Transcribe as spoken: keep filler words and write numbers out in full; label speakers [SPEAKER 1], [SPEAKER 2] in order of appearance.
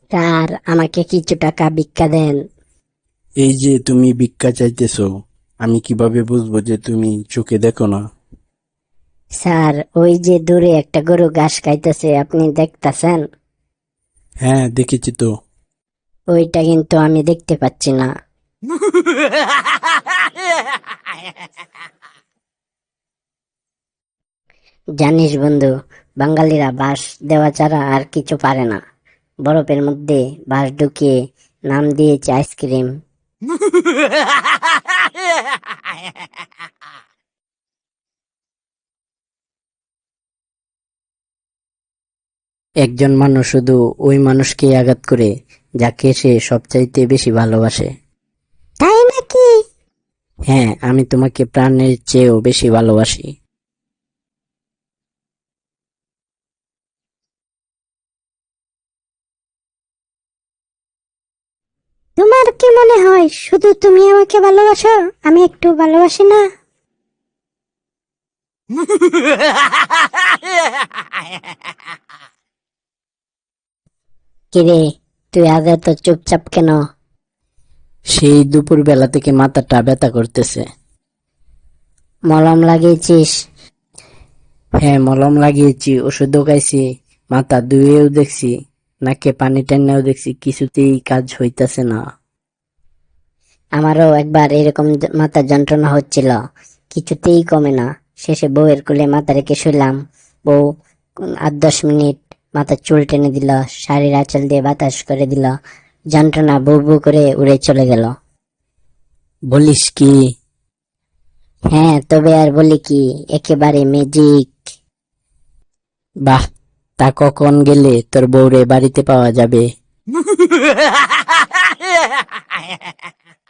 [SPEAKER 1] Sir, আমাকে কিছু টাকা ভিক্ষা দেন।
[SPEAKER 2] এই যে তুমি ভিক্ষা চাইতেছো, আমি কিভাবে বুঝবো যে তুমি চোখে দেখো না?
[SPEAKER 1] স্যার, ওই যে দূরে একটা গরু ঘাস খাইতেছে, আপনি দেখতাছেন?
[SPEAKER 2] হ্যাঁ, দেখেছি তো।
[SPEAKER 1] ওইটা কিন্তু আমি দেখতে পাচ্ছি না। জানিস বন্ধু, বাঙালিরা বাঁশ দেওয়া ছাড়া আর কিছু পারে না। বরফের মধ্যে বাঁশ ঢুকিয়ে নাম দিয়েছে আইসক্রিম। একজন মানুষ শুধু ওই মানুষকেই আঘাত করে যাকে সে সবচাইতে বেশি ভালোবাসে। তাই নাকি? হ্যাঁ, আমি তোমাকে প্রাণের চেয়েও বেশি ভালোবাসি। তোমার কি মনে হয় শুধু তুমি আমাকে ভালোবাসো, আমি একটু ভালোবাসি না? কিরে, তুই আজ এত চুপচাপ কেন? সেই দুপুর বেলা থেকে মাথাটা ব্যথা করতেছে। মলম লাগিয়েছিস? হ্যাঁ, মলম লাগিয়েছি, ওষুধও খাইছি, মাথা ধুয়েও দেখছি, নাকে পানি টেনেও দেখছি, কিছুতেই কাজ হইতাছে না। আমারও একবার এরকম য- মাথার যন্ত্রণা হচ্ছিল, কিছুতেই কমে না। শেষে বউয়ের কোলে মাথা রেখে শুলাম। বউ উম, আট দশ মিনিট মাথার চুল টেনে দিল, শাড়ির আঁচল দিয়ে বাতাস করে দিল, যন্ত্রণা বউ বউ করে উড়ে চলে গেল। বলিস কি? হ্যাঁ, তবে আর বলি কি, একেবারে ম্যাজিক। বাহ, তা কখন গেলে তোর বউরে বাড়িতে পাওয়া যাবে?